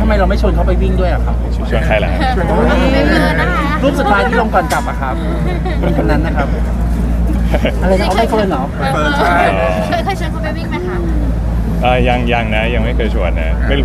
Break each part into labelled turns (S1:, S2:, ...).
S1: ำไมเราไม่ชวนเขาไปวิ่งด้วยอะครับ
S2: ชวนใครล่ะ
S1: รูปสุดท้ายที่ลงก่อนกลับอะครับคนนั้นนะครับอะไรนะเอาไม่เฟิร์นเหรอ
S3: ใช่
S4: เคยชวนเขาไปวิ่งไหมคะ
S2: ยังนะยังไม่เคยชวนนะไม่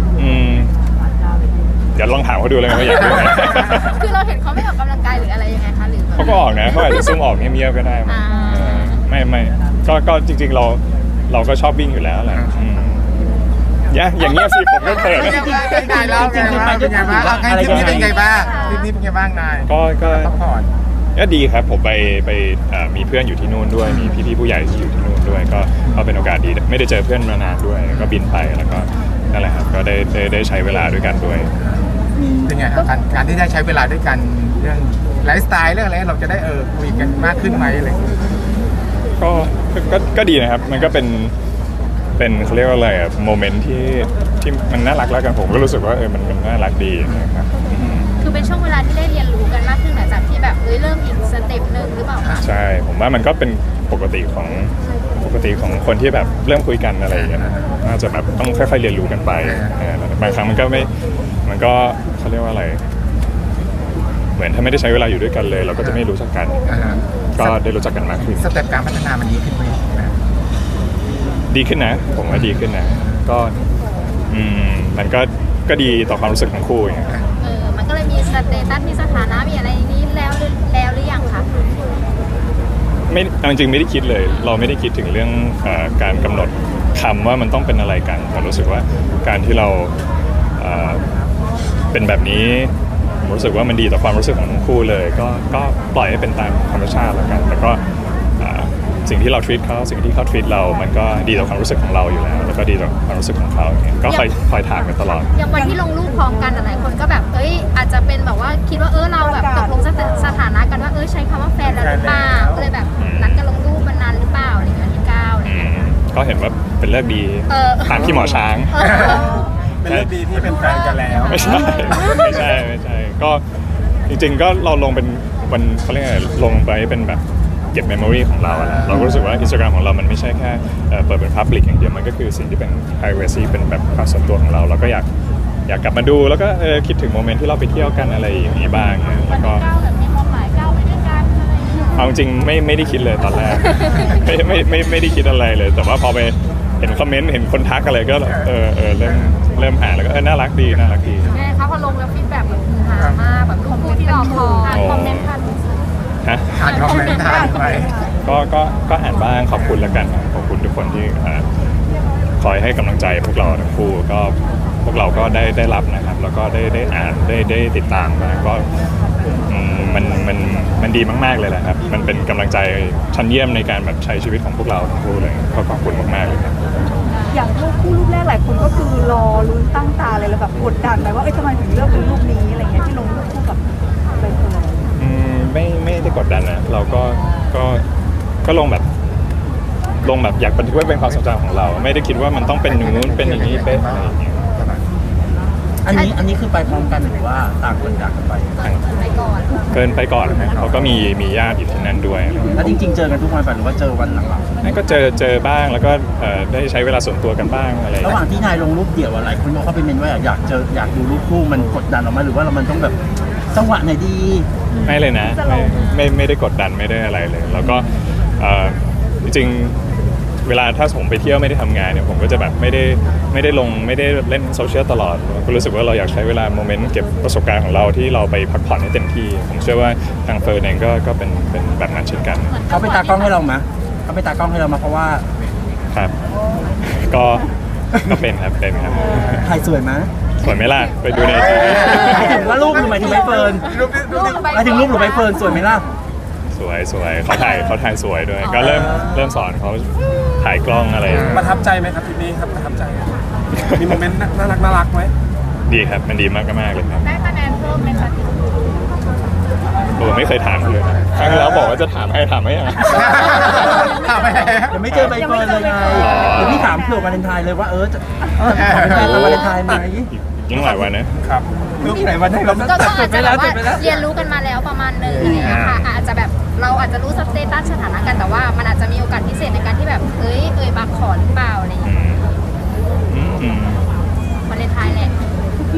S2: เดี๋ยวลองถามเขาดูเลยว่าอยากวิ่งไหม
S4: คือเราเห็นเขาไม่ออกกำลังกายหรืออะไรยังไงคะหรือ
S2: เขาก็ออกนะเขาอาจจะซุ่มออกเงียบๆก็ได้มั้งไม่ก็จริงๆเราก็ชอบวิ่งอยู่แล้วแหละอย่างเงี้ยสิผมก็เขิน
S3: เป็นไงบ้างเป็นไงบ้างทริปนี้เป็นไงบ้างทริปนี้เป็นไงบ้างนาย
S2: ก็
S3: พักผ่อน
S2: ก็ดีครับผมไปมีเพื่อนอยู่ที่นู่นด้วยมีพี่ๆผู้ใหญ่ที่อยู่ที่นู่นด้วยก็เป็นโอกาสดีไม่ได้เจอเพื่อนมานานด้วยก็บินไปแล้วก็นั่นแหละครับก็ได้ใช้เวลาด้วยกันด้วย
S3: เป็นไงครับการที่ได้ใช้เวลาด้วยกันเรื่องไลฟ์สไตล์เรื่องอะไรเราจะได้คุยกันมากขึ้นไหมอะไรอย่างเงี้ย
S2: ก็ดีนะครับมันก็เป็นเขาเรียกว่าอะไรอะโมเมนต์ที่มันน่ารักแล้วกันผมก็รู้สึกว่ามันน่ารักดีนะครับ
S4: คือเป็นช่วงเวลาที่ได้เรียนรู้กันมากขึ้นหลังจากที่แบบเริ่มอีกสเต็ปหนึ่งหรือเปล่าคะ
S2: ใช่ผมว่ามันก็เป็นปกติของคนที่แบบเริ่มคุยกันอะไรอย่างเงี้ยน่าจะแบบต้องค่อยๆเรียนรู้กันไปบางครั้งมันก็เขาเรียกว่าอะไรเหมือนถ้าไม่ได้ใช้เวลาอยู่ด้วยกันเลย เราก็จะไม่รู้จักกันก็ได้รู้จักกันมากขึ้น
S3: สเต็ปการพัฒนามันดีขึ้นไหม
S2: ดีขึ้นนะผมว่าดีขึ้นนะก็มันก็ดีต่อความรู้สึกของคู่อย่างเงี้ย
S4: มันก็เลยมีสเตตัสมีสถานะมีอะไรนี้แล้วหรือยังคะ
S2: ไม่จริงๆไม่ได้คิดเลยเราไม่ได้คิดถึงเรื่องการกำหนดคำว่ามันต้องเป็นอะไรกันแต่รู้สึกว่าการที่เราเป็นแบบนี้ผมรู้สึกว่ามันดีต่อความรู้สึกของทั้งคู่เลยก็ปล่อยให้เป็นตามธรรมชาติแล้วกันแต่ก็สิ่งที่เรา treat เขาสิ่งที่เขา treat เรามันก็ดีต่อความรู้สึกของเราอยู่แล้วแล้วก็ดีต่อความรู้สึกของเขาอย่างเงี้ยก็คอยถามกันตลอด
S4: อย่างวันที่ลงรูปพร้อมกันหลายคนก็แบบอาจจะเป็นแบบว่าคิดว่าเราแบบตกลงสถานะกันว่าใช้คำว่าแฟนแล้วหรือเปล่าก็เลยแบบนัดกันลงรูปมันนานหรือเปล่าอะไรอย่างเงี้ยที่9อะไรอย่างเงี้ย
S2: ก็เห็นว่าเป็นเลิกดีถามพี่หมอช้าง
S3: เป็นเรื่องดีที่เป็นแฟนกันแล้ว
S2: ไม่ใช่ก็จริงๆก็เราลงเป็นวันเขาเรียกอะไรลงไปเป็นแบบเก็บเมมโมรีของเราอะเราก็รู้สึกว่า Instagram ของเรามันไม่ใช่แค่เปิดเป็น Public อย่างเดียวมันก็คือสิ่งที่เป็น privacy เป็นแบบความส่วนตัวของเราเราก็อยากกลับมาดูแล้วก็คิดถึงโมเมนต์ที่เราไปเที่ยวกันอะไรอย่างนี้บ้างแล้วก็
S4: แบบมีความหมายก้าวไปด้วยกันอะไรอย่างเงี้ย
S2: เอาจริงไม่ได้คิดเลยตอนแรก ไม่ได้คิดอะไรเลย แต่ว่าพอไปเห็นคอมเมนต์เห็นคนทักอะไรก็เริ่มอ่านแล้วก็น่ารักดี
S4: แม่คะพอลงแล้วฟีดแบ็กแบบฮือฮามากแบบรูปที่รอคอยคอมเมนต์ทัน
S2: ฮะ
S3: อ่านคอมเมนต์ทานไป
S2: ก็อ่านบ้างขอบคุณแล้วกันขอบคุณทุกคนที่คอยให้กำลังใจพวกเราทั้งคู่ก็พวกเราก็ได้รับนะครับแล้วก็ได้อ่านได้ติดตามมาก็มันดีมากๆเลยแหละครับมันเป็นกำลังใจชั้นเยี่ยมในการแบบใช้ชีวิตของพวกเราทั้งคู่เลยก็ขอบคุณมากๆเลยครับ
S5: อย่างรูปคู่รูปแรกหลายคนก็คือรอลุ้นตั้งตาเลยแล้วแบบกดดันไปว่าทำไมถึงเลือกเป็นรูปนี้อะไรเงี้ยที่ลงรูปคู่กับใบเฟิร์น
S2: ไม่ได้กดดันนะเราก็ลงแบบอยากบันทึกไว้เป็นความทรงจำของเรา ไม่ได้คิดว่ามันต้องเป็นอย่างนู้นเป็นอย่างนี้เป็นอะไรอย่างเงี้ย
S1: อันนี้คือไปพร้อมกันหรือว่าต่างคนต่างกันไป
S4: ไปก่อน
S2: เกินไปก่อนนะเขาก็มีญาติอยู่ที่นั่นด้วย
S1: แล้วจริงๆเจอกันทุกวันป่ะหรือว่าเจอวันหลัง
S2: นั่นก็เจอบ้างแล้วก็ได้ใช้เวลาส่วนตัวกันบ้างอะไร
S1: ๆระหว่างที่นายลงรูปเดี่ยวอะไรคนบอกเขาไปเมนว่าอยากดูรูปคู่มันกดดันออกมาหรือว่ามันต้องแบบจังหวะไหนดี
S2: ไม่เลยนะไม่ได้กดดันไม่ได้อะไรเลย แล้วก็จริงๆเวลาถ้าผมไปเที่ยวไม่ได้ทำงานเนี่ยผมก็จะแบบไม่ได้ลงไม่ได้เล่นโซเชียลตลอดก็รู้สึกว่าเราอยากใช้เวลาโมเมนต์เก็บประสบการณ์ของเราที่เราไปพักผ่อนให้เต็มที่ผมเชื่อว่าทางเฟิร์นเองก็เป็นแบบนั้นเช่นกัน
S1: เขาไปตากล้องให้เรามะเขาไปตากล้องให้เรามาเพราะว่า
S2: ครับก็เป็นครับ
S1: ถ่ายสวยมะ
S2: สวยไหมล่ะไปดูในที
S1: หมายถึงว่ารูปหรือหมายถึงใบเฟิร์นหมายถึงรูปหรือใบเฟิร์นสวยไหมล่ะ
S2: สวยเขาถ่ายสวยด้วยก็เริ่มสอนเขาถ่ายกล้องอะไร
S3: ประทับใจไหมครับทริปนี้ครับประทับใจมีโมเมนต์น่ารักไหม
S2: ดีครับมันดีมากเลยครับ
S4: ได้คะแนนเพิ่มไหมคะ
S2: ผมไม่เคยถามเลยนะครั้งที่แล้วบอกว่าจะถามให้ยัง
S3: ถามไป
S1: ยังไม่เจอใบเฟิร์นเลยไงเดี๋ยวพี่ถามเผื่อวาเลนไทน์เลยว่าจะขอเป็นแฟนวาเลนไทน์ไหม
S2: ยิ่งหลายวันนะครับ
S3: รูปไหนวันไหนเรา
S4: ก็อาจจะแบบว่าเรียนรู้กันมาแล้วประมาณนึงอะไรอย่างเงี้ยค่ะอาจจะแบบเราอาจจะรู้สเตตัสสถานะกันแต่ว่ามันอาจจะมีโอกาสพิเศษในการที่แบบบางขอหรือเปล่าอะไรอย่างเงี้ย
S2: อืม
S4: วาเลนไทน์แหละ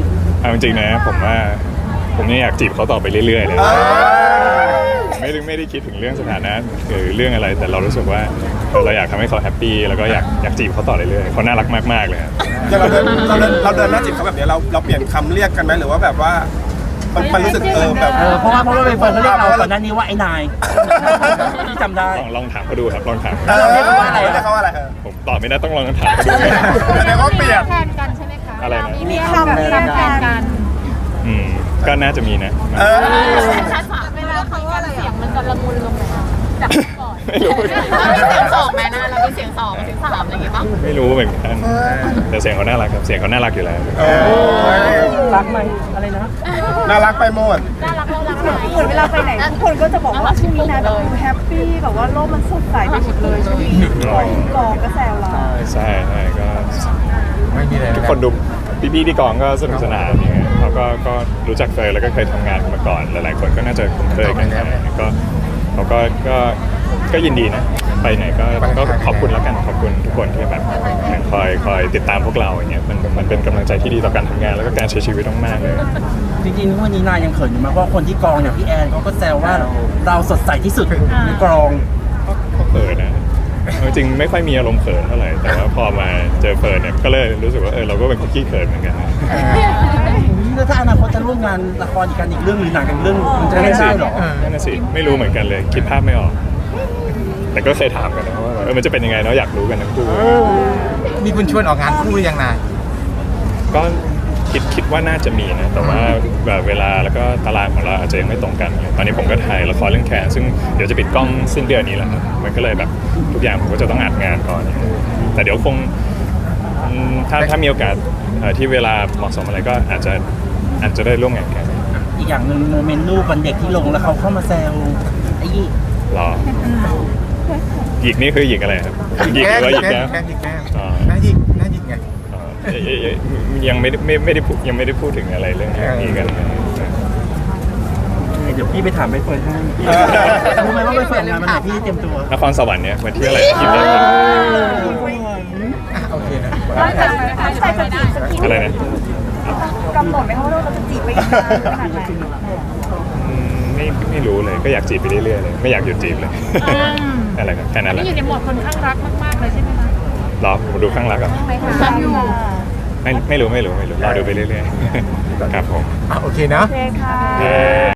S2: เอาจริงๆนะผมว่าผมยังอยากจีบเขาต่อไปเรื่อยๆเลยไม่ได้คิดถึงเรื่องสถานะหรือเรื่องอะไรแต่เรารู้สึกว่าเราอยากทำให้เขาแฮปปี้แล้วก็อยากจีบเขาต่อเรื่อยๆเขาน่ารักมากๆเลยครับ
S6: อย่างเราเดินหน้าจีบเขาแบบนี้เราเปลี่ยนคำเรียกกันไหมหรือว่าแบบว่ามันรู้สึกแบบ
S1: เพราะว่าใบเฟิร์นเขาเรียกเราก่อนหน้านี้ว่าไอ้นายที่จำได้
S2: ลองถามเขาดูครับลองถาม
S1: เราเรียกเขาว่าอะไร
S6: เรียกเขาว่าอะไร
S2: ผมตอบไม่ได้ต้องลองถามเขาดู
S6: แสดงว่าเปลี่ยน
S4: แทนกันใช่ไหมคะ
S2: อะไรนะ
S4: มีคำแทนกัน
S2: ก็น่าจะมีนะ
S4: ชัดๆเวลาเขาว่าอะไรเสียงมันจะละมุนลงไหมจากก่อน
S2: ไม่รู้
S4: เสียงสองแม่นะเรามีเสียงสองเสียงสามอะไรอย่างเงี้ยป่ะ
S2: ไม่รู้เหมือนกันแต่เสียงเขาน่ารักครับเสียงเขาน่ารักอยู่แล้ว
S1: รักไหมอะไรนะ
S6: น่ารักไปหมด
S4: น่ารักน่ารักไหม
S5: เหมือนเวลาไปไหนทุกคนก็จะบอกว่าช่วงนี้นะแบบดูแฮปปี้แบบว่าโลกมันสดใสไปหมดเลยช่วงนี้กองก็แซวเรา
S2: ใช่ก็
S3: ไม่มีอะไร
S2: ทุกคนดูพี่ๆที่กองก็สนุกสนานอย่างเงี้ยเขาก็รู้จักเฟยแล้วก็เคยทำงานกันมาก่อนหลายๆคนก็น่าจะคุ้นเคยกันก็เขาก็ยินดีนะไปไหนก็ขอบคุณแล้วกันขอบคุณทุกคนที่แบบคอยติดตามพวกเราอย่างเงี้ยมันเป็นกำลังใจที่ดีต่อการทำงานแล้วก็การใช้ชีวิตมากๆเลย
S1: จริงๆวันนี้นายยังเขินอยู่มากเพราะคนที่กองอย่างพี่แอนเขาก็แซวว่าเราสดใสที่สุดในกอง
S2: ก็เขินนะเอาจริงไม่ค่อยมีอารมณ์เขินเท่าไหร่แต่ว่าพอมาเจอเฟิร์นเนี่ยก็เลยรู้สึกว่าเราก็เป็นคนขี้เขินเหมือนกันนะ
S1: แล้วถ้าอนาคตจะร่วมงานละครอีกกันอีกเรื่องหรือหนังกันเรื่องมันจะ
S2: นั่น
S1: ได้
S2: น่ะสิ
S1: เหรอ
S2: นั่นน่ะสิไม่รู้เหมือนกันเลยคิดภาพไม่ออก แต่ก็เคยถามกันนะว่ามันจะเป็นยังไงเนาะอยากรู้กันทั้งคู่
S3: มีคุณชวนออกงานคู่หรือยังนาย
S2: ก็คิดว่าน่าจะมีนะแต่ว่าแบบเวลาแล้วก็ตารางของเราอาจจะยังไม่ตรงกันเลยตอนนี้ผมก็ถ่ายละครเรื่องแคนซึ่งเดี๋ยวจะปิดกล้องสิ้นเดือนนี้แหละครับมันก็เลยแบบทุกอย่างผมก็จะต้องอัดงานก่อนแต่เดี๋ยวคงถ้ามีโอกาสที่เวลาเหมาะสมอะไรก็อาจจะได้ร่วมงานกัน
S1: อีกอย่างหนึ่งโมเมนต์รูปวันเด็กที่ลงแล้วเขาเข้ามาแซวไอ้ยี่
S2: รอหยิกนี่คือหยิกอะไรครับหยิกหรือว่าหยิกแก้ม
S3: แก้มหยิกแก้ม
S2: อ๋อ
S3: หน้าหยิกไง
S2: ยังไม่ได้พูดถึงอะไรเรื่องนี้กัน
S1: เดี๋ยวพี่ไปถามใบเฟิร์นให้รู้ไหมว่าใบเฟิร์นงานมันไหนพี่เตรียมตัวน
S2: ครสวรรค์เนี่ยวันที่อะไรยี่สิบเอ็ด
S3: โอเคนะ
S5: ตั้งใจจะจีบสักกี่
S2: อะไรนะ
S5: กำหนดไหมคะว่าเราจะจีบไปอีกนานขนาดไหน
S2: ไม่รู้เลยก็อยากจีบไปเรื่อยๆเลยไม่อยากหยุดจีบเลยอะไรครับแค่นั้นแหละ
S4: อยู่ในโหมดคนข้างรักมากๆเลยใช่ไหมคะ
S2: รอผมดูข้างรักอ่ะ
S4: รักอยู่
S2: ไม่รู้รอดูไปเรื่อยๆครับผม
S3: โอเคเนาะ
S5: โอเคค่ะ
S2: เย้